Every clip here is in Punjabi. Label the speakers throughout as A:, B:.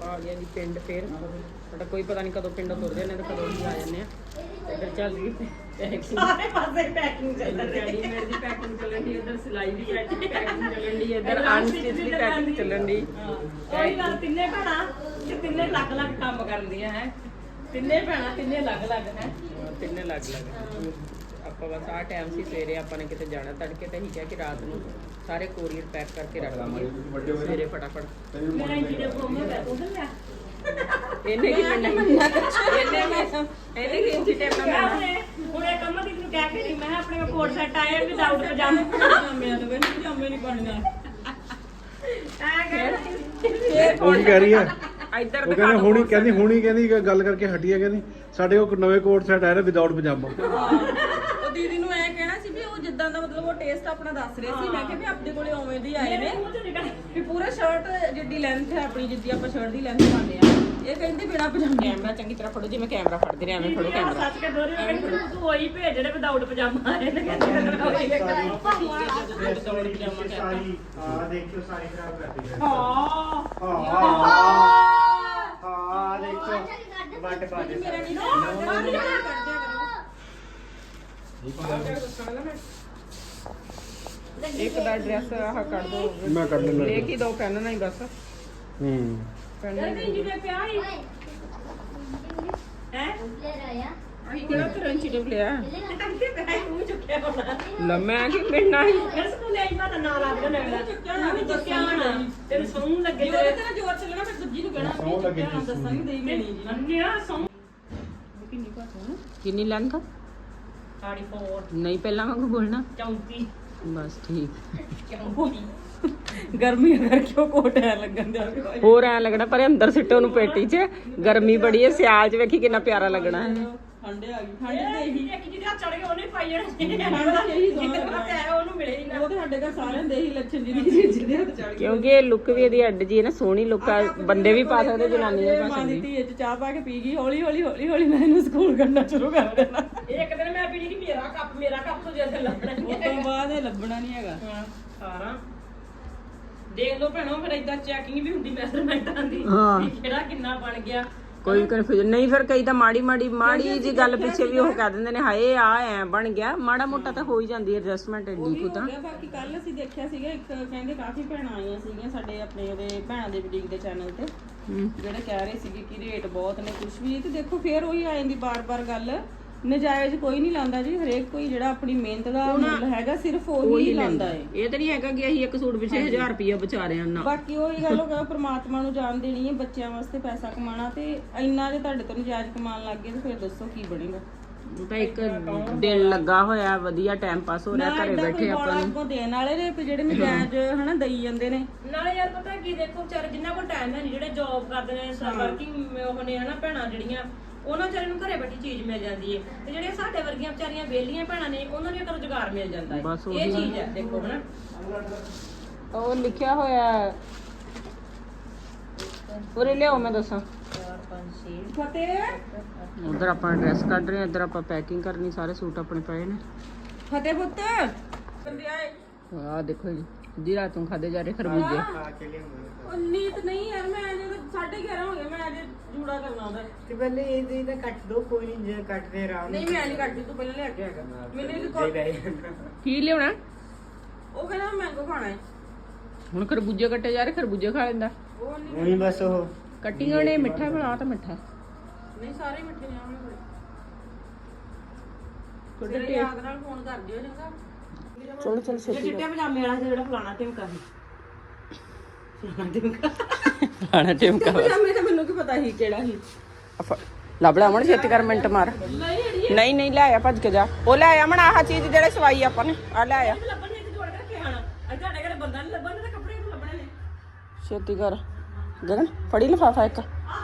A: ਆ ਗਿਆ ਜੀ ਪਿੰਡ ਫੇਰ ਸਾਡਾ ਕੋਈ ਪਤਾ ਨਹੀਂ ਕਦੋਂ ਪਿੰਡੋਂ ਤੁਰਦੇ ਨੇ ਤੇ ਕਦੋਂ ਹੀ ਆ ਜਾਂਦੇ ਆ। ਇੱਧਰ ਚੱਲ ਰਹੀ ਪੈਕਿੰਗ,
B: ਸਾਰੇ ਪਾਸੇ ਪੈਕਿੰਗ ਚੱਲ ਰਹੀ ਹੈ।
A: ਰੈਡੀਮੇਡ ਦੀ ਪੈਕਿੰਗ ਚੱਲਣ ਦੀ, ਇੱਧਰ ਸਿਲਾਈ ਦੀ ਪੈਕਿੰਗ ਚੱਲਣ ਦੀ, ਇੱਧਰ ਅਨਸਟਿਚ ਦੀ ਪੈਕਿੰਗ ਚੱਲਣ ਦੀ।
B: ਉਹੀ ਗੱਲ, ਤਿੰਨੇ ਭੈਣਾਂ ਤੇ ਤਿੰਨੇ ਅਲੱਗ-ਅਲੱਗ ਕੰਮ ਕਰਦੀਆਂ ਹੈ। ਤਿੰਨੇ ਭੈਣਾਂ ਤਿੰਨੇ ਅਲੱਗ-ਅਲੱਗ ਹੈ।
A: ਤਿੰਨੇ ਅਲੱਗ-ਅਲੱਗ। ਆਪਾਂ ਬਸ ਆਹ ਟਾਈਮ ਸੀ ਸਵੇਰੇ ਆਪਾਂ ਨੇ ਕਿਤੇ ਜਾਣਾ ਤੜਕੇ ਤੇ ਅਸੀਂ ਕਿਹਾ ਕਿ ਰਾਤ ਨੂੰ ਸਾਰੇ ਕੋਰੀਅਰ ਪੈਕ ਕਰਕੇ ਰੱਖ ਲਈਏ ਸਵੇਰੇ ਫਟਾਫਟ।
B: ਮੇਰਾ ਇੰਜੀ ਦੇ ਪ੍ਰੋਮੋ ਹੈ ਉਧਰ ਲਿਆ।
A: ਇਹਨੇ ਕੀ ਮੰਨਣਾ, ਇਹਨੇ ਕੀ ਇੰਚੀ ਟੇਪ ਨਾਲ
B: ਹੁਣ ਇਹ ਕੰਮ ਦੀ ਨੂੰ ਕਹਿ ਕੇ ਨਹੀਂ, ਮੈਂ ਆਪਣੇ ਕੋਟ ਸੈੱਟ ਆਇਆ ਵਿਦਆਊਟ ਪਜਾਮੇ ਪਜਾਮਿਆਂ ਨੂੰ ਕਹਿੰਦੀ ਪਜਾਮੇ ਨਹੀਂ ਪਾਉਣਾ
C: ਉਹ ਕੀ ਕਹਿ ਰਹੀ ਹੈ?
A: ਇੱਧਰ
C: ਉਹ ਕਹਿੰਦੇ ਹੁਣੀ ਕਹਿੰਦੀ ਗੱਲ ਕਰਕੇ ਹਟੀ ਹੈ, ਕਹਿੰਦੀ ਸਾਡੇ ਕੋਲ ਨਵੇਂ ਕੋਟ ਸੈਟ ਆਏ ਨੇ ਵਿਦਆਊਟ ਪਜਾਮਾ।
D: ਉਹ ਦੀਦੀ ਨੂੰ ਐ ਕਹਿਣਾ ਸੀ ਵੀ ਉਹ ਜਿੱਦਾਂ ਦਾ ਮਤਲਬ ਉਹ ਟੇਸਟ ਆਪਣਾ ਦੱਸ ਰਹੇ ਸੀ। ਮੈਂ ਕਿਹਾ ਵੀ ਆਪਣੇ ਕੋਲੇ ਉਵੇਂ ਦੀ ਆਏ ਨੇ ਵੀ ਪੂਰਾ ਸ਼ਰਟ ਜਿੱਡੀ ਲੈਂਥ ਹੈ ਆਪਣੀ, ਜਿੱਦੀ ਆਪਾਂ ਸ਼ਰਟ ਦੀ ਲੈਂਥ ਪਾਉਂਦੇ ਆ। ਇਹ ਕਹਿੰਦੀ ਬਿਨਾ ਪਜਾਮੇ।
A: ਕੈਮਰਾ ਚੰਗੀ ਤਰ੍ਹਾਂ ਫੜੋ, ਜਿਵੇਂ ਕੈਮਰਾ ਫੜਦੇ ਨੇ ਐਵੇਂ ਫੜੋ ਕੈਮਰਾ।
B: ਸੱਚ ਕੇ ਦੋਰੀ ਕਹਿੰਦੀ ਤੂੰ ਉਹੀ ਭੇਜ ਜਿਹੜੇ ਵਿਦਆਊਟ ਪਜਾਮਾ ਆਏ ਨੇ। ਕਹਿੰਦੀ
E: ਹਾਂ ਦੇਖਿਓ ਸਾਰੀ ਖਰਾਬ ਕਰਦੀ ਹੈ।
B: ਹਾਂ
E: ਹਾਂ ਦੇਖੋ ਵੱਟ ਪਾ ਦੇ
D: ਮੇਰਾ ਨਹੀਂ ਕੱਢ ਦਿਆ
A: ਇੱਕ ਦਾ ਡਰੈਸ ਆਹ ਕੱਢ ਦੋ,
C: ਮੈਂ ਕੱਢ ਲੈਣਾ।
A: ਲੈ ਕੇ ਦੋ ਪੈਨ ਨਹੀਂ ਬਸ ਪੈਨ
B: ਕਹਿੰਦੀ ਜੀ ਦੇ ਪਿਆ ਹੀ ਹੈ।
A: ਅਸੀਂ ਕਿਹੜਾ ਕਰੰਚੀ ਟੇਪ ਲਿਆ
B: ਕਹਿੰਦੀ ਪਿਆ ਹੀ ਮੂੰਹ ਚੁੱਕਿਆ ਹੋਣਾ।
A: ਲੰਮਾ ਕਿ ਮਿਲਣਾ ਹੀ
B: ਮੇਰੇ ਸਕੂਲ ਆਈ ਮੈਂ ਤਾਂ ਨਾਲ ਆ ਗਿਆ ਨਗਲਾ ਨਹੀਂ ਚੁੱਕਿਆ ਹੋਣਾ। ਤੇਰੇ ਸੌਂ ਲੱਗੇ
D: ਜੇ ਉਹਦੇ ਤੇ ਨਾ ਜ਼ੋਰ ਚੱਲਣਾ ਫਿਰ ਦੂਜੀ ਨੂੰ ਕਹਿਣਾ ਵੀ ਚੁੱਕਿਆ ਨਾ ਦੱਸਾਂਗੀ ਦੇਈ ਮੈਣੀ ਜੀ।
B: ਅੰਨਿਆ ਸੌਂ
A: ਕਿੰਨੀ ਲੈਂਥ
B: 34
A: ਨਹੀਂ ਪਹਿਲਾਂ ਵਾਂਗੂ ਬੋਲਣਾ
B: 34
A: ਬਸ ਠੀਕ।
D: ਗਰਮੀ ਕਰਕੇ ਉਹ ਕੋਟ ਐ ਲੱਗਣ ਦਿਆ।
A: ਹੋਰ ਐ ਲੱਗਣਾ ਪਰ ਅੰਦਰ ਸਿੱਟੋ ਉਹਨੂੰ ਪੇਟੀ 'ਚ। ਗਰਮੀ ਬੜੀ ਹੈ, ਸਿਆਲ 'ਚ ਵੇਖੀ ਕਿੰਨਾ ਪਿਆਰਾ ਲੱਗਣਾ ਹੈ।
D: ਠੰਡੇ ਆ ਗਈ ਠੰਡ ਤੇ ਇਹੀ
B: ਇੱਕ ਜਿਹਦੇ ਹੱਥ ਚੜ ਗਏ ਉਹਨੇ ਪਾਈ ਜਾਣਾ।
D: ਠੰਡ ਤੇ ਇਹੀ
B: ਜਿੱਦੇ ਪਾਸੇ ਆਇਆ ਉਹਨੂੰ ਮਿਲੇ ਹੀ ਨਾ।
D: ਉਹ ਤੇ ਸਾਡੇ ਘਰ ਸਾਰਿਆਂ ਦੇ ਇਹੀ ਲੱਛਣ ਜਿਹਦੇ ਹੱਥ ਚੜ ਗਈ।
A: ਕਿਉਂਕਿ ਇਹ ਲੁੱਕ ਵੀ ਇਹਦੀ ਅੱਡ ਜੀ ਹੈ ਨਾ, ਸੋਹਣੀ ਲੁੱਕ ਆ। ਬੰਦੇ ਵੀ ਪਾ ਸਕਦੇ, ਜਨਾਨੀਆਂ ਵੀ ਪਾ
D: ਮਾਂ ਦੀ
A: ਸਕਦੀਆਂ।
D: ਧੀ ਚ ਚਾਹ ਪਾ ਕੇ ਪੀ ਗਈ। ਹੌਲੀ ਹੌਲੀ ਮੈਂ ਇਹਨੂੰ ਸਕੂਲ ਕਰਨਾ ਸ਼ੁਰੂ ਕਰ ਦੇਣਾ।
B: ਇੱਕ ਦਿਨ ਮੈਂ ਪੀਣੀ ਨਹੀਂ, ਮੇਰਾ ਕੱਪ ਤੋਂ ਜਿਆਦਾ ਲੱਭਣਾ ਨਹੀਂ।
D: ਉਸ ਤੋਂ ਬਾਅਦ ਇਹ ਲੱਭਣਾ ਨਹੀਂ ਹੈਗਾ।
B: ਸਾਰਾ ਦੇਖ ਲਓ ਭੈਣੋ, ਫਿਰ ਏਦਾਂ ਚੈਕਿੰਗ ਵੀ ਹੁੰਦੀ ਮੈਜ਼ਰਮੈਂਟਾਂ ਦੀ
A: ਹਾਂ।
B: ਵੀ ਕਿਹੜਾ ਕਿੰਨਾ ਬਣ ਗਿਆ।
A: ਕੋਈ ਕਨਫਿਊਜ਼ਨ ਨਹੀਂ। ਫਿਰ ਕਈ ਤਾਂ ਮਾੜੀ ਜੀ ਗੱਲ ਪਿੱਛੇ ਵੀ ਉਹ ਕਹਿ ਦਿੰਦੇ ਨੇ ਹਾਏ ਆ ਐ ਬਣ ਗਿਆ। ਮਾੜਾ ਮੋਟਾ ਤਾਂ ਹੋ ਹੀ ਜਾਂਦੀ ਹੈ ਐਡਜਸਟਮੈਂਟ ਏਡੀ ਕੁ ਤਾਂ।
D: ਬਾਕੀ ਕੱਲ ਅਸੀਂ ਦੇਖਿਆ ਸੀਗਾ ਇੱਕ ਕਹਿੰਦੇ ਕਾਫੀ ਭੈਣਾਂ ਆਈਆਂ ਸੀਗੀਆਂ ਸਾਡੇ ਆਪਣੇ ਉਹਦੇ ਭੈਣਾਂ ਦੇ ਬੁਟੀਕ ਦੇ ਚੈਨਲ ਤੇ, ਜਿਹੜੇ ਕਹਿ ਰਹੇ ਸੀਗੇ ਕਿ ਰੇਟ ਬਹੁਤ ਨੇ ਕੁਝ ਵੀ। ਤੇ ਦੇਖੋ ਫਿਰ ਉਹੀ ਆ ਜਾਂਦੀ ਬਾਰ-ਬਾਰ ਗੱਲ, ਨਜਾਇਜ਼ ਕੋਈ ਨਹੀਂ ਲਾਉਂਦਾ ਜੀ। ਹਰੇਕ ਕੋਈ ਜਿਹੜਾ ਆਪਣੀ ਮਿਹਨਤ ਦਾ ਮੁੱਲ ਹੈਗਾ ਸਿਰਫ ਉਹੀ ਲਾਉਂਦਾ ਹੈ।
A: ਇਹ ਤਾਂ ਨਹੀਂ ਹੈਗਾ ਕਿ ਅਸੀਂ ਇੱਕ ਸੂਟ ਪਿੱਛੇ 1000 ਰੁਪਇਆ ਬਚਾ ਰਹੇ ਹਾਂ ਨਾ।
D: ਬਾਕੀ ਉਹੀ ਗੱਲ, ਉਹ ਕਹਿੰਦਾ ਪ੍ਰਮਾਤਮਾ ਨੂੰ ਜਾਣ ਦੇਣੀ ਹੈ, ਬੱਚਿਆਂ ਵਾਸਤੇ ਪੈਸਾ ਕਮਾਉਣਾ। ਤੇ ਇੰਨਾ ਜੇ ਤੁਹਾਡੇ ਤੋਂ ਨਜਾਇਜ਼ ਕਮਾਉਣ ਲੱਗ ਗਏ ਤੇ ਫਿਰ ਦੱਸੋ ਕੀ ਬਣੇਗਾ।
A: ਉਹ ਤਾਂ ਇੱਕ ਦਿਨ ਲੱਗਾ ਹੋਇਆ, ਵਧੀਆ ਟਾਈਮ ਪਾਸ ਹੋ ਰਿਹਾ, ਘਰੇ ਬੈਠੇ ਆਪਾਂ ਨੂੰ।
D: ਆਪਾਂ ਦੇਣ ਵਾਲੇ ਨੇ ਤੇ ਜਿਹੜੇ ਨਜਾਇਜ਼ ਹਨਾ ਦਈ ਜਾਂਦੇ ਨੇ।
B: ਨਾਲੇ ਯਾਰ ਪਤਾ ਕੀ, ਦੇਖੋ ਵਿਚਾਰੇ ਜਿੰਨਾ ਕੋਲ ਟਾਈਮ ਹੈ ਨਹੀਂ, ਜਿਹੜੇ ਜੌਬ ਕਰਦੇ ਨੇ, ਵਰਕਿੰਗ ਉਹ ਨੇ ਹਨਾ ਭੈਣਾਂ ਜਿਹੜੀਆਂ, ਉਹਨਾਂ ਵਿਚਾਰੇ ਨੂੰ ਘਰੇ ਬੈਠੀ ਚੀਜ਼ ਮਿਲ ਜਾਂਦੀ ਹੈ। ਤੇ ਜਿਹੜੀਆਂ ਸਾਡੇ ਵਰਗੀਆਂ ਵਿਚਾਰੀਆਂ ਵਿਹਲੀਆਂ ਭੈਣਾਂ ਨੇ, ਉਹਨਾਂ ਨੂੰ ਇੱਕ ਰੁਜ਼ਗਾਰ ਮਿਲ ਜਾਂਦਾ ਹੈ।
A: ਬਸ
B: ਇਹ ਚੀਜ਼ ਹੈ ਦੇਖੋ ਹਨਾ।
A: ਉਹ ਲਿਖਿਆ ਹੋਇਆ ਉਰੇ ਲਿਆਓ, ਮੈਂ ਦੱਸਾਂ।
B: 4 5 6
D: ਫਤਿਹ
A: ਉਧਰ ਆਪਾਂ ਡਰੈਸ ਕੱਢ ਰਹੇ ਹਾਂ, ਇੱਧਰ ਆਪਾਂ ਪੈਕਿੰਗ ਕਰਨੀ। ਸਾਰੇ ਸੂਟ ਆਪਣੇ ਪਏ ਨੇ।
D: ਫਤਿਹ ਪੁੱਤ ਬੰਦੇ ਆਏ।
A: ਆਹ ਦੇਖੋ ਜੀ ਰਾਤ ਨੂੰ ਖਾਦੇ ਜਾ ਰਹੇ ਖਰਬੂਜੇ।
D: ਉਹ ਨੀਤ ਨਹੀਂ ਯਾਰ, ਮੈਂ ਅਜੇ 11:30 ਹੋ ਗਏ। ਮੈਂ ਅਜੇ ਜੂੜਾ ਕਰਨਾ ਉਹਦਾ।
E: ਤੇ ਪਹਿਲੇ ਇਹ ਤਾਂ ਕੱਟ ਦੋ, ਕੋਈ ਨਹੀਂ ਜੇ ਕੱਟਦੇ ਆਰਾਮ
D: ਨਹੀਂ ਮੈਂ ਨਹੀਂ ਕੱਟਦੀ, ਤੂੰ ਪਹਿਲਾਂ ਲੈ ਕੇ ਆਏਗਾ। ਮੈਨੂੰ
A: ਕੀ ਲਿਆਉਣਾ?
D: ਉਹ ਕਹਿੰਦਾ ਮੈਂਗੋ ਖਾਣਾ ਹੈ।
A: ਹੁਣ ਖਰਬੂਜੇ ਕੱਟੇ ਜਾ ਰਹੇ, ਖਰਬੂਜੇ ਖਾ ਲੈਂਦਾ।
D: ਉਹ ਨਹੀਂ
E: ਨਹੀਂ ਬਸ ਉਹ
A: ਕੱਟੀਆਂ ਨੇ ਮਿੱਠਾ ਬਣਾ ਤਾਂ ਮਿੱਠਾ
D: ਨਹੀਂ ਸਾਰੇ ਹੀ ਮਿੱਠੇ ਨੇ ਆਉਣੇ ਬੜੇ।
A: ਤੁਹਾਡੇ
D: ਤੇਰੇ ਯਾਦ ਨਾਲ ਫੋਨ ਕਰ ਦਿਓ ਚੰਗਾ।
A: ਚਲੋ ਚਲੋ ਛੇਤੀ
B: ਚਿੱਟੇ ਪਜਾਮੇ ਵਾਲਾ ਜਿਹੜਾ ਫਲਾਣਾ ਟਿਮਕਾ ਸੀ।
A: ਖਾਣਾ ਟਿਮਕਾ
D: ਪਜਾਮੇ ਤਾਂ ਮੈਨੂੰ ਕੀ ਪਤਾ ਸੀ ਕਿਹੜਾ ਸੀ।
A: ਲੱਭ ਲੈ ਅਮਨ, ਛੇਤੀ ਕਰ, ਮਿੰਟ ਮਾਰ। ਨਹੀਂ ਨਹੀਂ ਲੈ ਆ, ਭੱਜ ਕੇ ਜਾ। ਉਹ ਲੈ ਆ ਅਮਨ, ਆਹ ਚੀਜ਼ ਜਿਹੜੇ ਸਵਾਈ ਆਪਾਂ ਨੇ ਆ ਲੈ ਆ।
B: ਲੱਭਣ ਨੇ ਤੇ ਜੋੜ ਕੇ ਰੱਖੇ ਹਨ। ਅੱਜ ਤੁਹਾਡੇ ਘਰੇ ਬੰਦਾ ਨਹੀਂ ਲੱਭਣ ਤੇ ਕੱਪੜੇ ਨੂੰ ਲੱਭਣੇ ਨੇ।
A: ਛੇਤੀ ਕਰ ਗਗਨ, ਫੜੀ ਲਿਫਾਫਾ ਇੱਕ।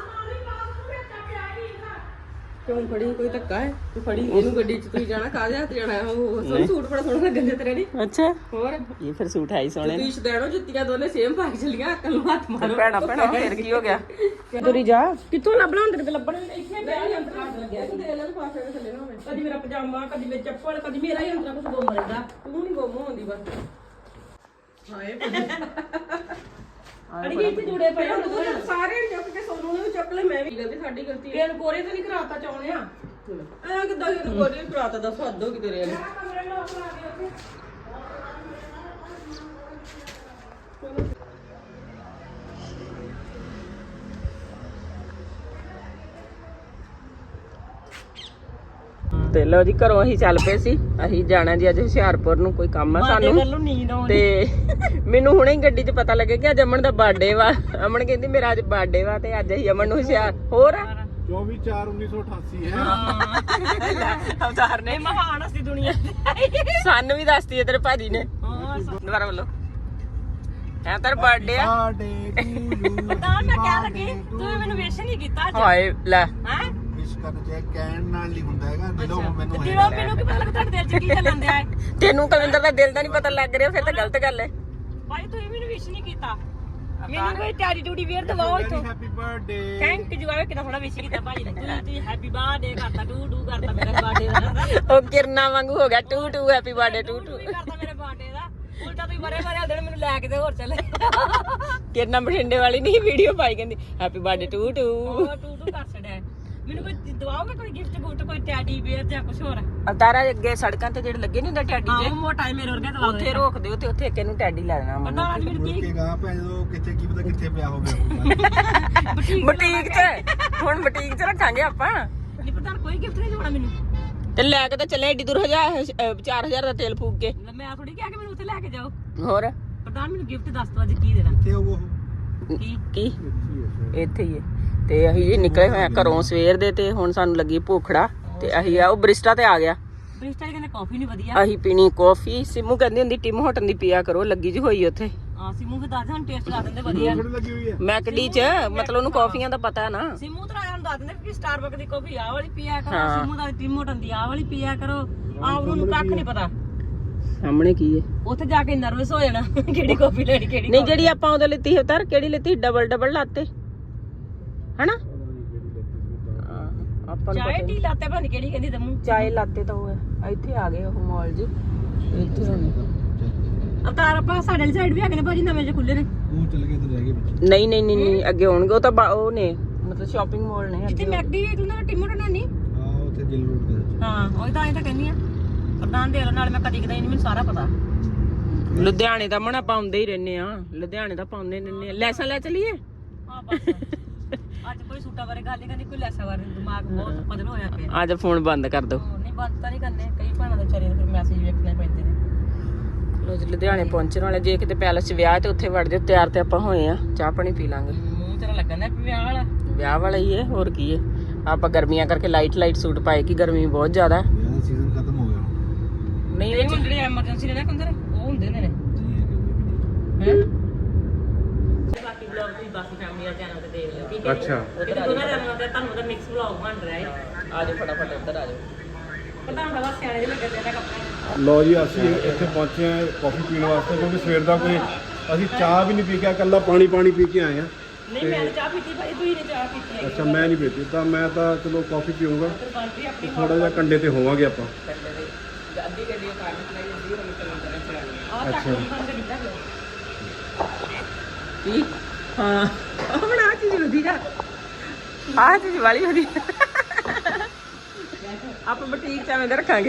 D: ਕਿਉਂ ਫੜੀ? ਕੋਈ ਧੱਕਾ ਹੈ? ਤੂੰ ਫੜੀ ਇਹਨੂੰ ਗੱਡੀ 'ਚ ਤੁਸੀਂ ਜਾਣਾ, ਕਾਹਦੇ ਹੱਥ ਜਾਣਾ? ਉਹ ਸੂਟ ਬੜਾ ਸੋਹਣਾ ਲੱਗਣ ਦੇ ਤੇਰੇ ਨਹੀਂ।
A: ਅੱਛਾ,
D: ਹੋਰ
A: ਇਹ ਫਿਰ ਸੂਟ ਹੈ ਹੀ ਸੋਹਣੇ।
D: ਤੁਸੀਂ ਦੇਣੋ ਜੁੱਤੀਆਂ ਦੋਨੇ ਸੇਮ ਪਾ ਕੇ ਚੱਲੀਆਂ, ਅਕਲ ਨੂੰ ਹੱਥ ਮਾਰੋ।
A: ਭੈਣਾ ਫਿਰ ਕੀ ਹੋ ਗਿਆ? ਤੁਰੀ ਜਾ।
B: ਕਿੱਥੋਂ ਲੱਭਣਾ ਹੁੰਦੇ ਤੇ ਲੱਭਣੇ ਇੱਥੇ ਪਿਆ ਹੀ ਅੰਦਰ ਲੱਗਿਆ।
D: ਤੂੰ ਦੇ ਲੈ ਲਿਫਾਫੇ ਦੇ ਥੱਲੇ ਨਾ ਹੋਵੇ।
B: ਕਦੀ ਮੇਰਾ ਪਜਾਮਾ, ਕਦੀ ਮੇਰੀ ਚੱਪਲ, ਕਦੀ ਮੇਰਾ ਹੀ ਅੰਦਰ ਕੁਝ ਗੁੰਮ ਰਹਿੰਦਾ।
D: ਤੂੰ ਨਹੀਂ ਗੁੰਮ ਹੁੰਦੀ ਬਸ। ਹਾਏ
B: ਅੜੀ ਇੱਥੇ ਜੁੜੇ ਪਏ
D: ਸਾਰੇ ਚੁੱਕ ਕੇ ਸੋਨੂੰ ਚੱਕ ਲੈ ਮੈਂ ਵੀ ਗਲਤੀ ਸਾਡੀ ਗਲਤੀ ਹੈ ਇਹਨੂੰ ਕੋਰੇ ਤਾਂ ਨਹੀਂ ਕਰਾਤਾ ਚਾਉਣੇ ਆ ਐ ਕਿਦਾਂ ਇਹਨੂੰ ਕੋਰੇ ਕਰਾਤਾ ਦੱਸ ਹੱਦੋਂ ਕਿ ਤੇਰੇ ਵਾਲੇ
A: ਤੇ ਲੋ ਜੀ ਘਰੋਂ ਅਸੀਂ ਚੱਲ ਪਏ ਸੀ। ਅਸੀਂ ਜਾਣਾ ਜੀ ਅੱਜ ਹੁਸ਼ਿਆਰਪੁਰ ਨੂੰ, ਕੋਈ ਕੰਮ ਆ ਸਾਨੂੰ
B: ਨੀਂਦ ਆਉਂਦੀ
A: ਤੇ ਮੈਨੂੰ ਹੁਣੇ ਹੀ ਗੱਡੀ 'ਚ ਪਤਾ ਲੱਗਿਆ ਕਿ ਅੱਜ ਅਮਨ ਦਾ ਬਰਥਡੇ ਵਾ। ਅਮਨ ਕਹਿੰਦੀ ਮੇਰਾ ਅੱਜ ਬਰਥਡੇ ਵਾ ਤੇ ਅੱਜ ਅਸੀਂ ਅਮਨ ਨੂੰ ਹੁਸ਼ਿਆਰ ਹੋਰ
C: 24/4/1988 ਹੈ
A: ਅਵਤਾਰ ਨੇ
B: ਮਹਾਨ ਅਸੀਂ ਦੁਨੀਆ
A: ਸਾਨੂੰ ਵੀ ਦੱਸਤੀ ਤੇਰੇ ਭਾਜੀ ਨੇ। ਦੁਬਾਰਾ ਬੋਲੋ ਹੈ ਤੇਰਾ ਬਰਥਡੇ ਆ।
B: ਤਾਂ ਮੈਂ ਕਹਿ ਲੱਗੀ ਤੂੰ ਮੈਨੂੰ ਵਿਸ਼ ਨਹੀਂ ਕੀਤਾ ਅੱਜ
A: ਹਾਏ ਲੈ
B: ਹੈ
C: ਵਿਸ਼ ਕਰਨ ਚ ਕਹਿਣ ਨਾਲ ਨਹੀਂ ਹੁੰਦਾ ਹੈਗਾ ਦਿਲੋਂ ਮੈਨੂੰ
B: ਦਿਲੋਂ ਮੈਨੂੰ ਕੀ ਪਤਾ ਲੱਗ ਤੁਹਾਡੇ ਦਿਲ 'ਚ ਕੀ ਚੱਲਣ ਦਿਆ ਹੈ
A: ਤੈਨੂੰ ਕਲਿੰਦਰ ਦਾ ਦਿਲ ਦਾ ਨਹੀਂ ਪਤਾ ਲੱਗ ਰਿਹਾ ਫਿਰ ਤਾਂ ਗਲਤ ਗੱਲ ਹੈ।
B: ਭਾਈ ਤੂੰ ਮੈਨੂੰ ਵਿਸ਼ ਨਹੀਂ ਕੀਤਾ ਮੈਨੂੰ ਕੋਈ ਟੈਡੀ ਟੂਡੀ ਵੇਅਰ ਦਵਾਓ ਇੱਥੋਂ
C: ਹੈਪੀ ਬਰਥਡੇ
B: ਥੈਂਕ ਯੂ ਆਵੇ ਕਿਦਾਂ ਥੋੜਾ ਵਿਸ਼ ਕੀਤਾ ਭਾਜੀ ਨੇ ਤੂੰ ਹੈਪੀ ਬਰਥਡੇ ਕਰਤਾ ਟੂ ਕਰਤਾ ਮੇਰੇ ਬਰਥਡੇ ਦਾ
A: ਉਹ ਕਿਰਨਾ ਵਾਂਗੂ ਹੋ ਗਿਆ ਟੂ ਟੂ ਹੈਪੀ ਬਰਥਡੇ ਟੂ ਟੂ
B: ਕਰਤਾ ਮੇਰੇ ਬਰਥਡੇ ਦਾ ਉਲਟਾ ਤੁਸੀਂ ਮਰੇ ਦਿਨ ਮੈਨੂੰ ਲੈ ਕੇ ਤੇ ਹੋਰ ਚੱਲੇ
A: ਕਿਰਨਾ ਬਠਿੰਡੇ ਵਾਲੀ ਨਹੀਂ ਵੀਡੀਓ ਪਾਈ ਕਹਿੰਦੀ ਹੈਪੀ ਬਰਥਡੇ ਟੂ ਟੂ
B: ਉਹ ਟੂ ਕਰ ਛੜਿਆ ਮੈਨੂੰ ਕੋਈ ਦਵਾਓਗੇ ਕੋਈ ਗਿਫਟ ਗੁਫਟ ਕੋਈ ਟੈਡੀ ਵੇਅਰ ਜਾਂ ਕੁਝ ਹੋਰ
A: ਅਵਤਾਰਾ ਅੱਗੇ ਸੜਕਾਂ ਤੇ ਜਿਹੜੇ ਲੱਗੇ ਨਹੀਂ ਹੁੰਦਾ ਟੈਡੀ
B: ਆਹ
A: ਜੇ
B: ਮੋਟਾ ਮੇਰੇ ਵਰਗਾ ਦਵਾ
A: ਉੱਥੇ ਰੋਕ ਦਿਓ ਤੇ ਉੱਥੇ ਇੱਕ ਇਹਨੂੰ ਟੈਡੀ ਲੈ ਦੇਣਾ
B: ਪਤਾ ਅੱਜ ਮੈਨੂੰ ਕੀ
C: ਰੁਕੇਗਾ ਭੈਣ ਜਦੋਂ ਕਿੱਥੇ ਕੀ ਪਤਾ ਕਿੱਥੇ ਪਿਆ ਹੋਵੇ
A: ਬੁਟੀਕ 'ਚ ਹੁਣ ਬੁਟੀਕ 'ਚ ਰੱਖਾਂਗੇ ਆਪਾਂ
B: ਨਹੀਂ ਪਤਾ ਕੋਈ ਗਿਫਟ ਨਹੀਂ ਦੇਣਾ ਮੈਨੂੰ
A: ਤੇ ਲੈ ਕੇ ਤਾਂ ਚੱਲੇ ਏਡੀ ਦੂਰ 4000 ਦਾ ਤੇਲ ਫੂਕ ਕੇ
B: ਮੈਂ ਥੋੜੀ ਕਿਹਾ ਕਿ ਮੈਨੂੰ ਉੱਥੇ ਲੈ ਕੇ ਜਾਓ
A: ਹੋਰ
B: ਪ੍ਰਧਾਨ ਮੈਨੂੰ ਗਿਫਟ ਦੱਸ ਦੋ ਅੱਜ ਕੀ ਦੇਣਾ
C: ਕਿੱਥੇ ਉਹ
A: ਕੀ ਇੱਥੇ ਹੀ ਹੈ ਤੇ ਅਸੀਂ ਨਿਕਲੇ ਹੋਏ ਆ ਘਰੋਂ ਸਵੇਰ ਦੇ ਤੇ ਹੁਣ ਸਾਨੂੰ ਲੱਗੀ ਭੁੱਖੜਾ ਤੇ ਅਸੀਂ ਆ ਉਹ ਬਰਿਸਟਾ ਤੇ ਆ ਗਿਆ।
B: ਬ੍ਰਿਸਟਲ ਕਹਿੰਦੇ ਕਾਫੀ ਨਹੀਂ ਵਧੀਆ
A: ਅਸੀਂ ਪੀਣੀ ਕਾਫੀ। ਸਿਮੂ ਕਹਿੰਦੀ ਹੁੰਦੀ ਟਿਮ ਹੋਟਨ ਦੀ ਪੀਆ ਕਰੋ ਲੱਗੀ ਜੀ ਹੋਈ ਉੱਥੇ
B: ਸਿਮੂ ਵੀ ਦੱਸ ਦੇ ਹੁਣ ਟੇਸਟ ਲਾ ਦਿੰਦੇ ਵਧੀਆ
C: ਥੋੜੀ ਲੱਗੀ ਹੋਈ ਹੈ
A: ਮੈਕਡੀ 'ਚ ਮਤਲਬ ਉਹਨੂੰ ਕਾਫੀਆਂ ਦਾ ਪਤਾ ਹੈ ਨਾ।
B: ਸਿਮੂ ਤਾਂ ਆਇਆ ਦੱਸ ਦਿੰਦੇ ਕਿ ਸਟਾਰਬਕ ਦੀ ਕਾਫੀ ਆਹ ਵਾਲੀ ਪੀਆ ਕਰੋ ਸਿਮੂ ਦਾ ਟਿਮੋਟਨ ਦੀ ਆਹ ਵਾਲੀ ਪੀਆ ਕਰੋ ਉਹਨੂੰ ਕੱਖ ਨਹੀਂ ਪਤਾ
A: ਸਾਹਮਣੇ ਕੀ ਹੈ
B: ਉੱਥੇ ਜਾ ਕੇ ਨਰਵਸ ਹੋ ਜਾਣਾ ਕਿਹੜੀ ਕਾਫੀ ਲੈਣੀ ਕਿਹੜੀ
A: ਨਹੀਂ ਜਿਹੜੀ ਆਪਾਂ ਉਹਦੇ ਲਿੱਤੀ ਉਤਾਰ ਕਿਹੜੀ ਲਿੱਤੀ ਡਬਲ ਲਾਤੇ ਹਨਾ ਆਪਾਂ ਨੂੰ
B: ਚਾਹ ਟੀ ਲਾਤੇ ਭਾਣੀ ਕਿਹੜੀ ਕਹਿੰਦੀ ਤੈਨੂੰ
A: ਚਾਏ ਲਾਤੇ ਤਾਂ ਉਹ ਹੈ ਇੱਥੇ ਆ ਗਏ ਉਹ ਮਾਲ ਜੀ ਇੱਥੇ ਹੋਣੇ
B: ਅਵਤਾਰ ਆਪਾਂ ਸਾਡੇ ਵਾਲੀ ਸਾਈਡ ਵੀ ਆ ਗਏ ਨੇ ਭਾਜੀ ਨਵੇਂ ਜਿਹੇ ਖੁੱਲੇ ਨੇ
C: ਉਹ ਚੱਲ ਗਏ ਤੇ ਰਹਿ ਗਏ ਵਿੱਚ
A: ਨਹੀਂ ਅੱਗੇ ਹੋਣਗੇ ਉਹ ਤਾਂ ਉਹ ਨੇ ਮਤਲਬ ਸ਼ਾਪਿੰਗ ਮਾਲ ਨੇ
B: ਇੱਥੇ ਮੈਕਡੀ ਵੀ ਤੂੰ ਨਾ ਟਿਮੋਟਨ ਨਹੀਂ
C: ਹਾਂ ਉੱਥੇ ਜਿਲ ਰੋਡ ਤੇ
B: ਹਾਂ ਉਹ ਤਾਂ ਤਾਂ ਕਹਿੰਦੀ ਆ ਪ੍ਰਧਾਨ ਦੇ ਨਾਲ ਮੈਂ ਕਦੀ ਕਦਾਈ ਨਹੀਂ ਮੈਨੂੰ ਸਾਰਾ ਪਤਾ
A: ਲੁਧਿਆਣੇ ਦਾ ਮਣਾ ਪਾਉਂਦੇ ਹੀ ਰਹਿੰਦੇ ਆ ਲੁਧਿਆਣੇ ਦਾ ਪਾਉਂਦੇ ਰਹਿੰਦੇ ਆ ਲੈਸਾਂ ਲੈ ਚਲੀਏ
B: ਹਾਂ ਬਸ ਅੱਜ ਕੋਈ ਸੂਟਾਂ ਬਾਰੇ ਗੱਲ ਨਹੀਂ ਕਰਨੀ ਕੋਈ ਲੈਸਾਂ ਬਾਰੇ ਦਿਮਾਗ ਬਹੁਤ ਬਦਲ ਹੋਇਆ ਪਿਆ
A: ਅੱਜ ਫੋਨ ਬੰਦ ਕਰ ਦੋ
B: ਨਹੀਂ ਬੰਦ ਤਾਂ ਨਹੀਂ ਕਰਨੇ ਕਈ ਭਾਣਾ ਦੇ ਵਿਚਾਰੇ ਫਿਰ ਮੈਸੇਜ ਵੇਖਣੇ ਪੈਂਦੇ ਨੇ
A: ਲੋ ਜੀ ਲੁਧਿਆਣੇ ਪਹੁੰਚਣ ਵਾਲੇ ਜੇ ਕਿਤੇ ਪੈਲਸ 'ਚ ਵਿਆਹ ਤੇ ਉੱਥੇ ਵੜ ਜਾਓ ਤਿਆਰ ਤੇ ਆਪਾਂ ਹੋਏ ਆ ਚਾਹ ਪਾਣੀ ਪੀ ਲਾਂਗੇ
B: ਮੂੰਹ ਤੇਰਾ ਲੱਗਣ ਦਾ ਵਿਆਹ ਵਾਲਾ
A: ਵਿਆਹ ਵਾਲਾ ਹੀ ਹੈ ਹੋਰ ਕੀ ਹੈ ਆਪਾਂ ਗਰਮੀਆਂ ਕਰਕੇ ਲਾਈਟ ਸੂਟ ਪਾਏ ਕਿ ਗਰਮੀ ਬਹੁਤ ਜ਼ਿਆਦਾ
C: ਮੇਰਾ ਸੀਜ਼ਨ ਖਤਮ ਹੋ ਗਿਆ
A: ਨਹੀਂ
B: ਇਹ ਹੁਣ ਜਿਹੜੇ ਐਮਰਜੈਂਸੀ ਨੇ ਨਾ ਕੰਦਰ ਉਹ ਹੁੰਦੇ ਨੇ ਬਾਕੀ ਵਲੌਗ ਤੁਸੀਂ ਬਾਕੀ ਫੈਮਿਲੀ ਵਾਲੇ ਚੈਨਲ ਤੇ ਦੇਖ ਲਿਓ ਠੀਕ ਹੈ
C: ਅੱਛਾ
B: ਉਧਰ ਦੋਨਾਂ ਚੈਨਲਾਂ ਤੇ ਤੁਹਾਨੂੰ ਉਹਦਾ ਮਿਕਸ ਵਲੌਗ ਬਣ ਰਿਹਾ ਹੈ
A: ਆ ਜਾਓ ਫਟਾਫਟ ਉੱਧਰ ਆ ਜਾਓ
B: ਪ੍ਰਧਾਨ ਦਾ ਸਿਆਣੇ ਜਿਹੇ ਲੱਗੇ ਤੇ ਕੱਪੜੇ
C: ਲੋ ਜੀ ਅਸੀਂ ਇੱਥੇ ਪਹੁੰਚੇ ਆ ਕਾਫੀ ਪੀਣ ਵਾਸਤੇ ਕਿਉਂਕਿ ਸਵੇਰ ਦਾ ਕੋਈ ਅਸੀਂ ਚਾਹ ਵੀ ਨਹੀਂ ਪੀ ਕੇ ਇਕੱਲਾ ਪਾਣੀ ਪੀ ਕੇ ਆਏ ਆ
B: ਨਹੀਂ ਮੈਂ ਤਾਂ ਚਾਹ ਪੀਤੀ ਭਾਈ ਤੂੰ ਹੀ ਨੇ ਚਾਹ ਪੀਤੀ ਹੈ
C: ਅੱਛਾ ਮੈਂ ਨਹੀਂ ਪੀਤੀ ਤਾਂ ਮੈਂ ਤਾਂ ਚਲੋ ਕਾਫੀ ਪੀਊਂਗਾ
B: ਬਾਂਟੀ ਆਪਣੀ
C: ਥੋੜਾ ਜਿਹਾ ਕੰਡੇ ਤੇ ਹੋਵਾਂਗੇ ਆਪਾਂ
A: ਅੱਧੀ ਗੱਡੀ ਕਾਰ ਚਲਾਈ ਜਾਂਦੀ ਹੁਣ ਚੱਲਣ ਚਲਾਣੀ
B: ਆਹ ਚੱਕ ਬੰਦ ਕੀਤਾ
A: ਕੀ ਹਾਂ ਹੁਣ ਆ ਚੀਜ਼ ਵਧੀਆ ਆ ਚੀਜ਼ ਵਾਲੀ ਵਧੀਆ ਆਪਾਂ ਬੁਟੀਕ ਚ ਐਵੇਂ ਦਾ ਰੱਖਾਂਗੇ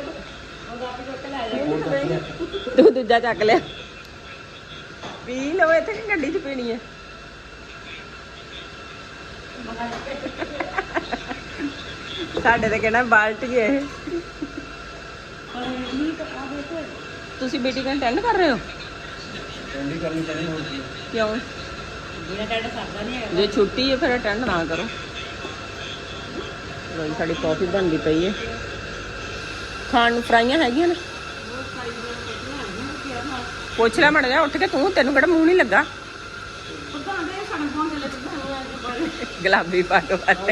A: ਤੂੰ ਦੂਜਾ ਚੱਕ ਲਿਆ ਪੀ ਲਓ ਇੱਥੇ ਕਿ ਗੱਡੀ ਚ ਪੀਣੀ ਹੈ ਸਾਡੇ ਤੇ ਕਹਿਣਾ ਬਾਲਟੀ ਹੈ ਇਹ ਤੁਸੀਂ ਮੀਟਿੰਗ ਅਟੈਂਡ ਕਰ ਰਹੇ ਹੋ
C: ਟੈਂਡੀ ਕਰਨੀ ਪੈਣੀ ਹੋਰ ਕੀ
A: ਕਿਉਂ
B: ਮੇਰਾ ਟੈਂਡ ਸਰਦਾ ਨਹੀਂ ਹੈਗਾ
A: ਜੇ ਛੁੱਟੀ ਹੈ ਫਿਰ ਅਟੈਂਡ ਨਾ ਕਰੋ ਲੋ ਸਾਡੀ ਕਾਫੀ ਬਣਦੀ ਪਈ ਹੈ ਖਾਣ ਨੂੰ ਫਰਾਈਆਂ ਹੈਗੀਆਂ ਨੇ ਪੁੱਛ ਲੈ ਮੜ ਜਾ ਉੱਠ ਕੇ ਤੈਨੂੰ ਕਿਹੜਾ ਮੂੰਹ ਨਹੀਂ ਲੱਗਾ
B: ਪ੍ਰਧਾਨ ਦੇ ਸਾਨੂੰ ਫੋਨ ਚੱਲੇ ਤੇ
A: ਗੁਲਾਬੀ ਪੱਗ ਵਾਲੇ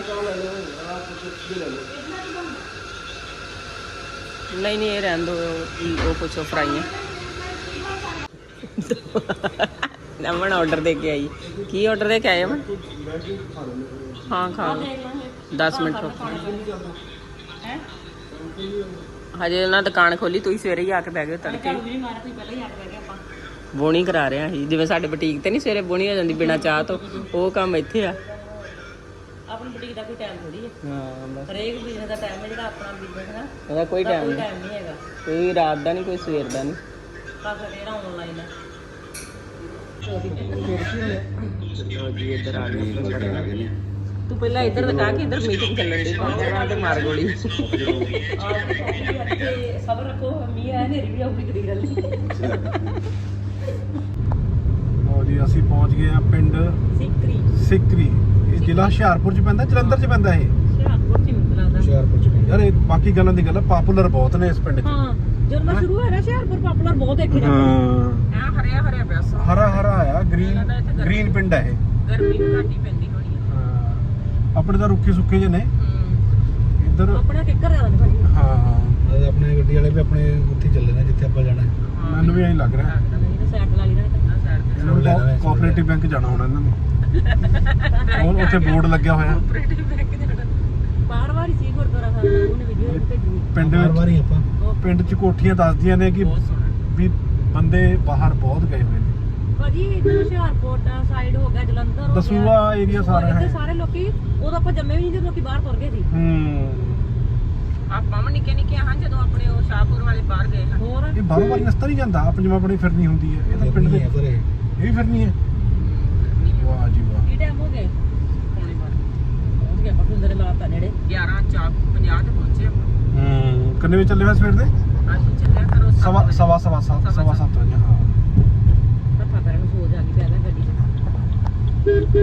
A: ਨਹੀਂ ਇਹ ਰਹਿਣ ਦੋ ਉਹ ਪੁੱਛੋ ਫਰਾਈਆਂ ਨਮਨ ਆਰਡਰ ਦੇ ਕੇ ਆਈ ਕੀ ਆਰਡਰ ਦੇ ਕੇ ਆਏ ਅਮਨ ਹਾਂ ਖਾ 10 ਮਿੰਟ ਰੁਕ ਹਜੇ ਉਹਨਾਂ ਦੁਕਾਨ ਖੋਲੀ ਤੁਸੀਂ ਸਵੇਰੇ ਹੀ ਆ ਕੇ ਬਹਿ ਗਏ ਤੜਕੇ ਬੋਣੀ ਕਰਾ ਰਹੇ ਆ ਅਸੀਂ ਜਿਵੇਂ ਸਾਡੇ ਬੁਟੀਕ ਤੇ ਨਹੀਂ ਸਵੇਰੇ ਬੋਣੀ ਹੋ ਜਾਂਦੀ ਬਿਨਾ ਚਾਹ ਤੋਂ ਉਹ ਕੰਮ ਇੱਥੇ ਆ
B: ਆਪਣੀ ਬੁਟੀਕ ਦਾ ਕੋਈ ਟਾਈਮ ਥੋੜੀ ਹੈ
A: ਹਾਂ ਬਸ
B: ਹਰੇਕ ਬਿਜ਼ਨਸ ਦਾ ਟਾਈਮ ਹੈ, ਜਿਹੜਾ ਆਪਣਾ ਬਿਜ਼ਨਸ ਹੈ ਨਾ
A: ਇਹਦਾ ਕੋਈ ਟਾਈਮ
B: ਕੋਈ
A: ਨਹੀਂ,
B: ਟਾਈਮ ਨਹੀਂ ਹੈਗਾ।
A: ਕੋਈ ਰਾਤ ਦਾ ਨਹੀਂ, ਕੋਈ ਸਵੇਰ ਦਾ ਨਹੀਂ।
B: ਬਸ ਜਿਹੜਾ ਆਨਲਾਈਨ ਹੈ
A: ਲੋ ਜੀ ਇੱਧਰ ਆ ਗਏ। ਤੂੰ ਪਹਿਲਾਂ ਇੱਧਰ ਦਿਖਾ ਕਿ ਇੱਧਰ ਮੀਟਿੰਗ ਚੱਲਣ ਦੀ ਪਾਉਂਦਾ ਤੇ ਮਾਰ ਗੋਲੀ।
B: ਇੱਥੇ ਸਬਰ ਰੱਖੋ, ਮੀਂਹ ਆਇਆ ਹਨੇਰੀ ਵੀ ਆਉਗੀ ਕਦੀ ਗੱਲ ਨਹੀਂ।
C: ਲਓ ਜੀ ਅਸੀਂ ਪਹੁੰਚ ਗਏ ਆ ਪਿੰਡ
B: ਸਿੱਕਰੀ
C: ਸਿੱਕਰੀ। ਇਹ ਜ਼ਿਲ੍ਹਾ ਹੁਸ਼ਿਆਰਪੁਰ ਚ ਪੈਂਦਾ, ਜਲੰਧਰ ਚ ਪੈਂਦਾ ਇਹ?
B: ਹੁਸ਼ਿਆਰਪੁਰ ਚ ਮੈਨੂੰ ਲੱਗਦਾ।
C: ਹੁਸ਼ਿਆਰਪੁਰ ਚ। ਯਾਰ ਇਹ ਬਾਕੀ ਗੱਲਾਂ ਦੀ ਗੱਲ ਪਾਪੂਲਰ ਬਹੁਤ ਨੇ ਇਸ ਪਿੰਡ ਚ।
B: ਹਾਂ ਜਦੋਂ ਮੈਂ ਸ਼ੁਰੂ ਹੋਇਆ ਹੁਸ਼ਿਆਰਪੁਰ ਪਾਪੂਲਰ ਬਹੁਤ ਦੇਖੇ ਜਾਂਦੇ
C: ਹਾਂ
B: ਆ। ਹਰਿਆ ਹਰਿਆ ਪਿਆ ਸਾ
C: ਹਰਾ ਹਰਾ ਆ, ਗ੍ਰੀਨ ਪਿੰਡ ਹੈ ਇਹ।
B: ਗਰਮੀ ਵੀ ਘੱਟ ਹੀ ਪੈਂਦੀ ਹੋਣੀ ਆ।
C: ਹਾਂ ਆਪਣੇ ਤਾਂ ਰੁੱਖੇ ਸੁੱਕੇ ਜਿਹੇ ਨੇ ਇੱਧਰ।
B: ਆਪਣੇ ਕਿੱਕਰ ਜ਼ਿਆਦਾ ਨਹੀਂ ਬਣੀ।
C: ਹਾਂ ਆਪਣੇ ਗੱਡੀ ਵਾਲੇ ਵੀ ਆਪਣੇ ਉੱਥੇ ਚੱਲੇ ਨੇ ਜਿੱਥੇ ਆਪਾਂ ਜਾਣਾ। ਮੈਨੂੰ ਵੀ ਐਂ ਲੱਗ ਰਿਹਾ
B: ਸਾਈਕਲ ਵਾਲੀ ਨਾਲ ਕੱਟਣਾ ਸਾਈਡ ਤੇ।
C: ਇਹਨਾਂ ਨੂੰ ਕੋਆਪਰੇਟਿਵ ਬੈਂਕ ਜਾਣਾ ਹੋਣਾ ਇਹਨਾਂ ਨੂੰ। ਹੁਣ ਉੱਥੇ ਬੋਰਡ ਲੱਗਿਆ ਹੋਇਆ
B: ਬਾਰ ਵਾਰ ਹੀ ਸੀ ਗੁਰਦੁਆਰਾ ਸਾਹਿਬ ਦਾ, ਉਹਨੇ ਵੀਡੀਓ ਭੇਜੀ।
C: ਪਿੰਡ ਵਾਰੀ ਆਪਾਂ ਪਿੰਡ ਚ ਕੋਠੀਆਂ ਦੱਸਦੀਆਂ ਨੇ ਕਿ ਵੀ ਬੰਦੇ ਬਾਹਰ ਬਹੁਤ ਗਏ ਹੋਏ ਨੇ।
B: ਭਾਜੀ ਇੱਧਰ ਹੁਸ਼ਿਆਰਪੁਰ ਦਾ ਸਾਈਡ ਹੋ ਗਿਆ, ਜਲੰਧਰ ਹੋ ਗਿਆ,
C: ਦਸੂਆ ਏਰੀਆ ਸਾਰਾ ਹੈ।
B: ਇੱਥੇ ਸਾਰੇ ਲੋਕੀ ਉਦੋਂ ਆਪਾਂ ਜੰਮੇ ਵੀ ਨਹੀਂ ਜਦੋਂ ਲੋਕੀ ਬਾਹਰ ਤੁਰ ਗਏ ਸੀ।
A: ਆਪਾਂ ਵੀ ਨਿੱਕੇ ਨਿੱਕੇ ਹਾਂ ਜਦੋਂ ਆਪਣੇ ਉਹ ਸ਼ਾਹਪੁਰ ਵਾਲੇ ਬਾਹਰ ਗਏ ਹਾਂ।
B: ਹੋਰ
C: ਇਹ ਬਾਹਰੋਂ ਵਾਰੀ ਰਸਤਾ ਨਹੀਂ ਜਾਂਦਾ, ਆਪ ਜਿਵੇਂ ਆਪਣੀ ਫਿਰਨੀ ਹੁੰਦੀ ਹੈ। ਇਹ ਤਾਂ ਪਿੰਡ ਦੇ ਇਹ ਵੀ ਫਿਰਨੀ ਹੈ। ਵਾਹ ਜੀ ਵਾਹ।
B: ਕੀ ਟਾਈਮ ਹੋ ਗਏ?
A: ਪੌਣੇ ਬਾਰ
B: ਪਹੁੰਚ ਗਏ ਆਪਾਂ ਪਿੰਦਰ ਲਾਤਾ ਨੇੜੇ।
A: 11:50 ਤੇ ਪਹੁੰਚੇ ਆਪਾਂ।
C: ਕਿੰਨੇ ਵਜੇ ਚੱਲੇ ਹੋਏ ਸਵੇਰ ਦੇ?
A: ਅੱਜ ਚੱਲਿਆ ਕਰੋ
C: ਸਵਾ ਸੱਤ ਵਜੇ। ਹਾਂ
B: ਰੱਫਾ ਪੈਰਾਂ ਨੂੰ ਸੋਜ ਆ ਗਈ ਪਹਿਲਾਂ ਗੱਡੀ 'ਚ।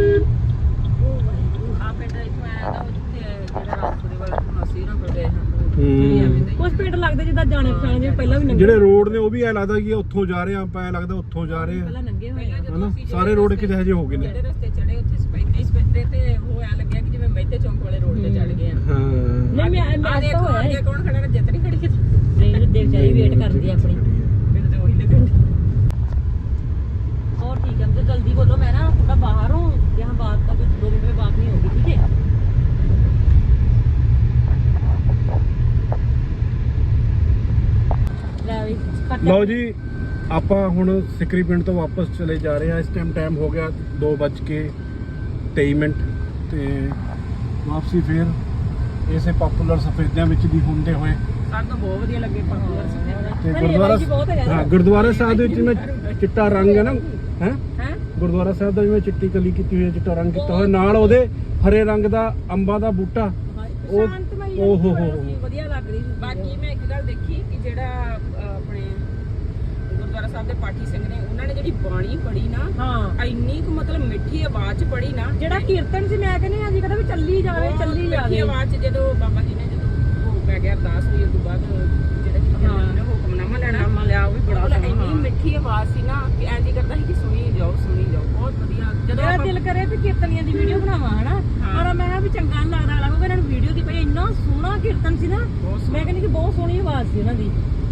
A: ਆ ਪਿੰਡ ਇੱਥੋਂ ਆਇਆ ਦਾ ਜਿੱਥੇ ਜਿਹੜਾ ਰਾਜਪੁਰੇ ਵਾਲਾ ਅਸੀਂ ਨਾ ਕੋਲ ਗਏ ਹਾਂ।
B: ਕੁਝ ਪਿੰਡ ਲੱਗਦੇ ਜਿੱਦਾਂ ਜਾਣੇ ਪਛਾਣੇ ਜਿਵੇਂ ਪਹਿਲਾਂ ਵੀ ਨੰਗੇ
C: ਜਿਹੜੇ ਰੋਡ ਨੇ ਉਹ ਵੀ ਐ ਲੱਗਦਾ ਕਿ ਉੱਥੋਂ ਜਾ ਰਹੇ ਆ, ਆਪਾਂ ਐ ਲੱਗਦਾ ਉੱਥੋਂ ਜਾ ਰਹੇ ਆ,
B: ਪਹਿਲਾਂ ਨੰਗੇ ਹੋਏ ਆ।
C: ਹਨਾ? ਸਾਰੇ ਰੋਡ ਕਿਤੇ ਹਜੇ ਹੋ ਗਏ ਨੇ।
A: ਜਿਹੜੇ ਰਸਤੇ ਚੜੇ ਉੱਥੇ ਸਪੈਦੇ ਤੇ ਉਹ ਐ ਲੱਗਿਆ ਕਿ ਜਿਵੇਂ ਮਹਿਤੇ ਚੌਂਕ ਵਾਲੇ ਰੋਡ ਤੇ ਚੜ ਗਏ ਆ।
C: ਹਾਂ
B: ਨਹੀਂ ਮੈਂ
A: ਆ ਦੇਖੋ
B: ਹੋਇਆ
A: ਅੱਗੇ ਕੌਣ ਖੜਾ ਹੈ? ਜਿੱਤ ਨਹੀਂ ਖੜੀ ਕਿਤੇ।
B: ਨਹੀਂ ਦੇਖ ਜਾਈ ਵੇਟ ਕਰਦੀ ਆ ਆਪਣੀ।
A: ਮੈਨੂੰ ਤੇ ਉਹੀ ਲੱਗਣ
B: और ठीक है, मुझे जल्दी बोलो, मैं ना थोड़ा बाहर हूँ, यहाँ बात का कुछ 2 मिनट में बात नहीं होगी, ठीक है?
C: ਲਓ ਜੀ ਆਪਾਂ ਹੁਣ ਸਿੱਕਰੀ ਪਿੰਡ ਤੋਂ ਵਾਪਸ ਚਲੇ ਜਾ ਰਹੇ ਹਾਂ। ਇਸ ਟਾਈਮ ਹੋ ਗਿਆ 2:23 ਤੇ ਵਾਪਸੀ ਫੇਰ ਇਸੇ ਪਾਪੂਲਰ ਸਫੇਦਿਆਂ ਵਿੱਚ ਦੀ ਹੁੰਦੇ ਹੋਏ
A: ਸਾਨੂੰ ਬਹੁਤ ਵਧੀਆ ਲੱਗੇ ਪਾਪੂਲਰ ਸਫੇਦਾ।
C: ਤੇ ਗੁਰਦੁਆਰਾ ਸਾਹਿਬ ਦੇ ਵਿੱਚ ਜਿਵੇਂ ਚਿੱਟਾ ਰੰਗ ਹੈ ਨਾ, ਹੈ ਗੁਰਦੁਆਰਾ ਸਾਹਿਬ ਦਾ ਜਿਵੇਂ ਚਿੱਟੀ ਕਲੀ ਕੀਤੀ ਹੋਈ ਹੈ, ਚਿੱਟਾ ਰੰਗ ਕੀਤਾ ਹੋਇਆ, ਨਾਲ ਉਹਦੇ ਹਰੇ ਰੰਗ ਦਾ ਅੰਬਾਂ ਦਾ ਬੂਟਾ। ਉਹ ਹੋ
B: ਵਧੀਆ ਲੱਗ ਰਹੀ ਸੀ।
A: ਬਾਕੀ ਮੈਂ ਇੱਕ ਗੱਲ ਦੇਖੀ ਕਿ ਜਿਹੜਾ ਆਪਣੇ ਗੁਰਦੁਆਰਾ ਸਾਹਿਬ ਦੇ ਪਾਠੀ ਸਿੰਘ ਨੇ ਉਹਨਾਂ ਨੇ ਜਿਹੜੀ ਬਾਣੀ ਪੜ੍ਹੀ ਨਾ,
B: ਹਾਂ
A: ਇੰਨੀ ਕੁ ਮਤਲਬ ਮਿੱਠੀ ਆਵਾਜ਼ ਚ ਪੜ੍ਹੀ ਨਾ।
B: ਜਿਹੜਾ ਕੀਰਤਨ ਸੀ ਮੈਂ ਕਹਿੰਦੀ ਅੱਜ ਕਹਿੰਦਾ ਵੀ ਚੱਲੀ ਜਾਵੇ ਚੱਲੀ
A: ਮਿੱਠੀ
B: ਜਾਵੇ।
A: ਆਵਾਜ਼ ਚ ਜਦੋਂ ਬਾਬਾ ਜੀ ਨੇ ਜਦੋਂ ਭੋਗ ਪੈ ਗਿਆ ਅਰਦਾਸ ਹੋਈ ਉਸ ਤੋਂ ਬਾਅਦ ਜਿਹੜਾ ਕਿ ਨੇ ਹੁਕਮਨਾਮਾ ਲੈਣਾ
B: ਲਿਆ ਉਹ ਵੀ ਬੜਾ
A: ਮਤਲਬ ਇੰਨੀ ਮਿੱਠੀ ਆਵਾਜ਼ ਸੀ ਨਾ ਕਿ ਐਂ ਜੀ ਕਰਦਾ ਸੀ ਕਿ ਸੁਣੀ ਜਾਓ ਬਹੁਤ ਵਧੀਆ। ਜਦੋਂ
B: ਮੇਰਾ ਦਿਲ ਕਰੇ ਵੀ ਕੀਰਤਨੀਆਂ ਦੀ ਵੀਡੀਓ ਬਣਾਵਾਂ ਹਨਾ, ਪਰ ਮੈਂ ਕਿਹਾ ਵੀ ਚੰਗਾ ਨੀ ਲੱਗਦਾ ਲੱਗੂਗਾ ਇਹਨਾਂ ਨੂੰ ਵੀਡੀਓ ਦੀ। ਪਈ ਇੰਨਾ ਸੋਹਣਾ ਕੀਰਤਨ ਸੀ ਨਾ, ਮੈਂ ਕਹਿੰਦੀ ਕਿ ਬਹੁਤ ਸੋਹਣੀ ਆਵਾਜ਼ ਸੀ ਉਹਨਾਂ ਦੀ।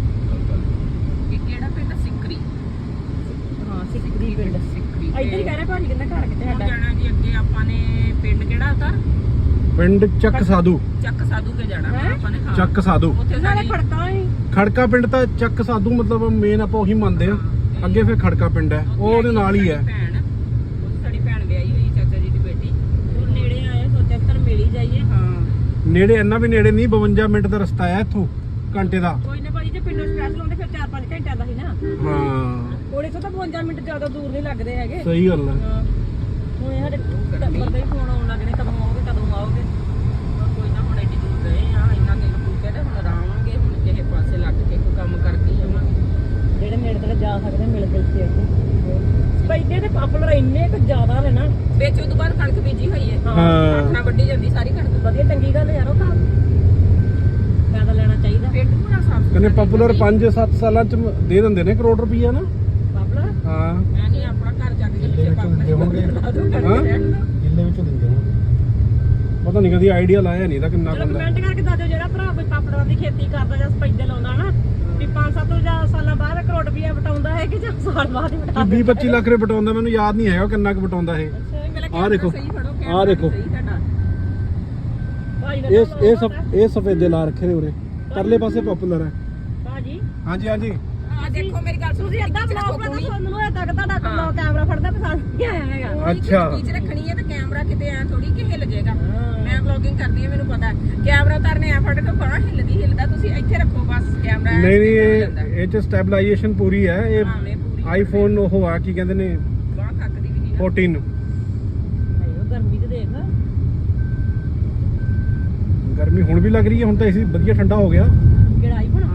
A: ਕਿਹੜਾ ਪਿੰਡ? ਸਿੱਕਰੀ।
B: ਹਾਂ ਸਿੱਕਰੀ ਪਿੰਡ।
A: ਸਿੱਕਰੀ
B: ਇੱਧਰ ਹੀ ਕਹਿ ਰਿਹਾ ਭਾਜੀ ਕਹਿੰਦਾ ਘਰ ਕਿੱਥੇ
A: ਹੁਣ
B: ਸਾਡਾ।
A: ਜਾਣਾ ਜੀ ਅੱਗੇ ਆਪਾਂ ਨੇ ਪਿੰਡ ਕਿਹੜਾ ਉਤਾਰ?
C: ਪਿੰਡ ਚੱਕ ਸਾਧੂ।
A: ਚੱਕ ਸਾਧੂ ਕੇ ਜਾਣਾ
B: ਹੈਂ?
A: ਆਪਾਂ ਨੇ। ਹਾਂ
C: ਚੱਕ ਸਾਧੂ
A: ਉੱਥੇ
B: ਨਾਲੇ
A: ਸਾਡੀ
B: ਖੜਕਾ ਹੀ
C: ਖੜਕਾ ਪਿੰਡ ਤਾਂ ਚੱਕ ਸਾਧੂ ਮਤਲਬ ਮੇਨ ਆਪਾਂ ਉਹੀ ਮੰਨਦੇ ਆ। ਅੱਗੇ ਫਿਰ ਖੜਕਾ ਪਿੰਡ ਹੈ, ਉਹ ਉਹਦੇ ਨਾਲ ਹੀ ਹੈ।
A: ਭੈਣ ਉੱਥੇ ਸਾਡੀ ਭੈਣ ਵਿਆਹੀ ਹੋਈ ਚਾਚਾ ਜੀ ਦੀ ਬੇਟੀ।
B: ਹੁਣ ਨੇੜੇ ਆਏ, ਸੋਚਿਆ ਕਿ ਤੁਹਾਨੂੰ ਮਿਲ ਹੀ ਜਾਈਏ।
A: ਹਾਂ
C: ਨੇੜੇ ਇੰਨਾ ਵੀ ਨੇੜੇ ਨਹੀਂ, 52 ਮਿੰਟ ਦਾ ਰਸਤਾ ਹੈ ਇੱਥੋਂ, ਘੰਟੇ ਦਾ।
B: ਕੋਈ ਨਾ ਭਾਜੀ ਜੇ ਪਿੰਡੋਂ ਸਪੈਸ਼ਲ ਆਉਂਦੇ ਫਿਰ 4-5 ਘੰਟਿਆਂ ਦਾ ਸੀ ਨਾ।
C: ਹਾਂ
B: ਕੋਲੇ ਤੋਂ ਤਾਂ 52 ਮਿੰਟ ਜ਼ਿਆਦਾ ਦੂਰ ਨਹੀਂ ਲੱਗਦੇ ਹੈਗੇ।
C: ਸਹੀ ਗੱਲ ਹੈ।
B: ਹੁਣ ਇਹ ਸਾਡੇ ਟੱਬਰ ਦੇ ਫੋਨ ਆਉਣ ਲੱਗ ਨੇ, ਕਦੋਂ ਆਓਗੇ।
A: ਕੋਈ ਨਾ ਹੁਣ ਐਡੀ ਦੂਰ ਗਏ ਆ, ਇੰਨਾ ਦਿਨ ਭੁੱਖੇ ਤੇ ਹੁਣ ਆਰਾਵਾਂਗੇ। ਹੁਣ ਕਿਸੇ ਪਾਸੇ ਲੱਗ ਕੇ ਕੋਈ ਕੰਮ ਕਰਕੇ ਆਵਾਂਗੇ।
B: ਜਿਹੜੇ ਨੇੜੇ ਤੇੜੇ ਜਾ ਸਕਦੇ ਮਿਲ ਕੇ ਇੱਥੇ ਪੈਦੇ ਤੇ ਪਾਪੂਲਰ ਇੰਨੇ ਕੁ ਜ਼ਿਆਦਾ ਨੇ ਨਾ।
A: ਵਿੱਚ ਉਦੋਂ ਬਾਅਦ ਕਣਕ ਬੀਜੀ ਹੋਈ ਹੈ।
C: ਹਾਂ
A: ਆਪਣਾ ਵੱਢੀ ਜਾਂਦੀ ਸਾਰੀ ਕਣਕ।
B: ਵਧੀਆ ਚੰਗੀ ਗੱਲ ਯਾਰ, ਉਹ ਤਾਂ ਫਾਇਦਾ ਲੈਣਾ ਚਾਹੀਦਾ।
A: ਪਿੰਡ ਪੂਰਾ ਸਾਫ
C: ਕਹਿੰਦੇ ਪਾਪੂਲਰ 5-7 ਸਾਲਾਂ ਚ ਦੇ ਦਿੰਦੇ ਨੇ ਕਰੋੜ ਰੁਪਈਆ ਨਾ।
B: ਪਾਪੂਲਰ
C: ਹਾਂ
A: ਮੈਂ ਨਹੀਂ ਆਪਣਾ ਘਰ ਜਾ ਕੇ ਜਿੱਥੇ ਪਾਪੂਲਰ
C: ਹਾਂ ਕਿੱਲੇ ਵਿੱਚੋਂ ਦਿੰਦੇ ਹੋਣਗੇ। ਪਤਾ ਨਹੀਂ ਕਦੀ ਆਈਡੀਆ ਲਾਇਆ ਨਹੀਂ ਤਾਂ ਕਿੰਨਾ
B: ਚਲੋ
C: ਬੰਦਾ।
B: ਕਮੈਂਟ ਕਰਕੇ ਦੱਸ ਦਿਓ ਜਿਹੜਾ ਭਰਾ ਕੋਈ ਪਾਪੜਾਂ ਦੀ ਖੇਤੀ ਕਰਦਾ ਜਾਂ ਸਪੈਦੇ ਲਾਉਂਦਾ ਨਾ, ਵੀ 5-7 ਸਾਲਾਂ ਬਾਅਦ ਕਰੋੜ ਰੁਪਈਆ ਵਟਾਉਂਦਾ ਹੈ ਕਿ ਜਾਂ ਸਾਲ ਬਾਅਦ ਹੀ ਵਟਾਉਂਦਾ।
C: 20-25 ਲੱਖ ਰੁਪਏ ਬਟਾਉਂਦਾ, ਮੈਨੂੰ ਯਾਦ ਨਹੀਂ ਹੈਗਾ ਕਿੰਨਾ ਕੁ ਬਟਾਉਂਦਾ ਇਹ। ਆਹ ਦੇਖੋ, ਆਹ ਦੇਖੋ, ਇਹ ਸਫੇਦੇ ਲਾ ਰੱਖੇ ਨੇ ਉਰੇ, ਪਰਲੇ ਪਾਸੇ ਪਾਪੂਲਰ ਹੈ।
B: ਭਾਜੀ
C: ਹਾਂਜੀ ਹਾਂਜੀ
A: ਆ ਦੇਖੋ ਮੇਰੀ ਗੱਲ ਸੁਣੋ।
B: ਤੁਸੀਂ ਅੱਧਾ ਬਲੌਗ ਬਣਾ ਦੋ, ਮੈਨੂੰ ਇਹ ਤੱਕ ਤੁਹਾਡਾ ਕੈਮਰਾ ਫੜਦਾ ਪਸੰਦ ਨਹੀਂ ਆਇਆ ਹੈਗਾ।
C: ਅੱਛਾ।
A: ਵਿੱਚ ਰੱਖਣੀ ਹੈ ਤੇ ਕੈਮਰਾ ਕਿਤੇ ਐ ਥੋੜੀ ਕਿ ਹਿੱਲ ਜਾਏਗਾ।
B: ਵਲੌਗਿੰਗ ਕਰਦੀ ਹਾਂ ਮੈਨੂੰ ਪਤਾ ਕੈਮਰਾ ਉਤਾਰਨੇ ਆ ਫੜ ਕੇ ਬਾਹ ਹਿੱਲਦਾ ਤੁਸੀਂ ਇੱਥੇ ਰੱਖੋ ਬਸ ਕੈਮਰਾ
C: ਨਹੀਂ ਇਹ ਚ ਸਟੈਬਲਾਈਜੇਸ਼ਨ ਪੂਰੀ ਹੈ ਇਹ ਆਈਫੋਨ ਉਹ ਆ ਕੀ ਕਹਿੰਦੇ ਨੇ
B: ਬਾਹ ਥੱਕਦੀ ਵੀ ਨਹੀਂ
C: 14
B: ਹਾਏ ਗਰਮੀ ਤੇ ਦੇਖ
C: ਗਰਮੀ ਹੁਣ ਵੀ ਲੱਗ ਰਹੀ ਹੈ ਹੁਣ ਤਾਂ ਏਸੀ ਵਧੀਆ ਠੰਡਾ ਹੋ ਗਿਆ
B: ਕਿਹੜਾ ਆਈਫੋਨ